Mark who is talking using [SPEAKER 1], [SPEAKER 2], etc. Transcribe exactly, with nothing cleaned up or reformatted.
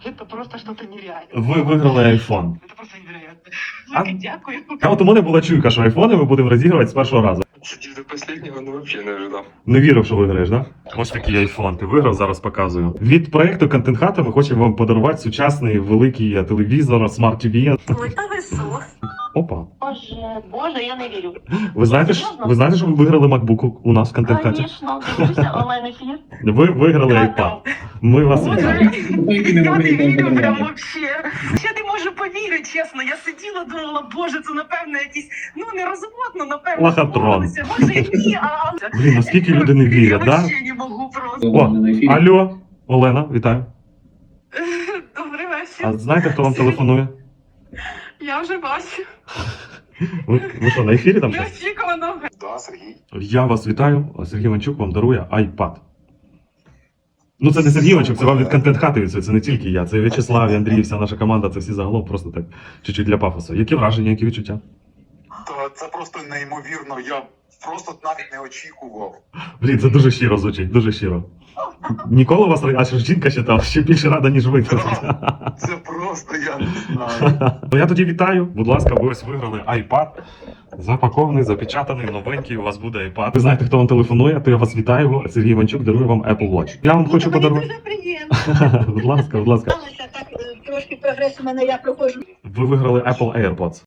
[SPEAKER 1] Это просто что-то нереальное.
[SPEAKER 2] Ви виграли айфон.
[SPEAKER 1] Это просто невероятно.
[SPEAKER 2] А?
[SPEAKER 1] Велике дякую.
[SPEAKER 2] А от у мене була чуйка, що айфони ми будемо розігрувати з першого разу.
[SPEAKER 3] Сидів до последнего, ну вообще не ожидав.
[SPEAKER 2] Не вірив, що виграєш, да? Ось такий айфон. Ти виграв, зараз показую. Від проекту Контент Хата ми хочемо вам подарувати сучасний великий телевізор, смарт-ті ві.
[SPEAKER 1] Ой, та ви сос.
[SPEAKER 2] Опа.
[SPEAKER 1] Боже, боже, я не вірю.
[SPEAKER 2] Ви знаєте, ж- ви знаєте, що ви виграли MacBook у нас в Контент Хаті?
[SPEAKER 1] Звісно, дивлюся онлайн ефір.
[SPEAKER 2] Ви виграли iPad. Ми вас вітаємо.
[SPEAKER 1] Я не вірю прям вообще. Я не можу повірити, чесно. Я сиділа, думала, боже, це напевно якісь, ну не розводно, напевно.
[SPEAKER 2] Лохотрон.
[SPEAKER 1] збулося. Може і ні, а...
[SPEAKER 2] Блін, наскільки люди не вірять,
[SPEAKER 1] Я
[SPEAKER 2] да?
[SPEAKER 1] вообще не можу просто.
[SPEAKER 2] О, алло, Олена, вітаю.
[SPEAKER 1] Добрий вечір.
[SPEAKER 2] А знаєте, хто вам телефонує?
[SPEAKER 1] Я вже бачу.
[SPEAKER 2] Ви, ви що, на ефірі там щось?
[SPEAKER 1] Неочікувано.
[SPEAKER 3] Да, Сергій.
[SPEAKER 2] Я вас вітаю. Сергій Іванчук вам дарує iPad. Ну це не Сергій Іванчук, це вам від Контент Хати від цього, це не тільки я, це В'ячеслав, і Андрій, вся наша команда, це всі загалом просто так, чуть-чуть для пафосу. Які враження, які відчуття?
[SPEAKER 4] Та це просто неймовірно. Я просто навіть не очікував.
[SPEAKER 2] Блін, це дуже щиро звучить, дуже щиро. Ніколи у вас, а що ж жінка ще там, ще більше рада, ніж ви.
[SPEAKER 4] Це просто я не знаю.
[SPEAKER 2] Ну я тоді вітаю, будь ласка, ви ось виграли iPad. Запакований, запечатаний, новенький, у вас буде iPad. Ви знаєте, хто вам телефонує, то я вас вітаю. Сергій Іванчук дарує вам Apple Watch. Я вам хочу
[SPEAKER 5] Мені
[SPEAKER 2] подарувати.
[SPEAKER 5] дуже приємно.
[SPEAKER 2] Будь ласка, будь ласка.
[SPEAKER 5] Сталося так, е, трошки прогрес у мене, я проходжу.
[SPEAKER 2] Ви виграли Apple AirPods.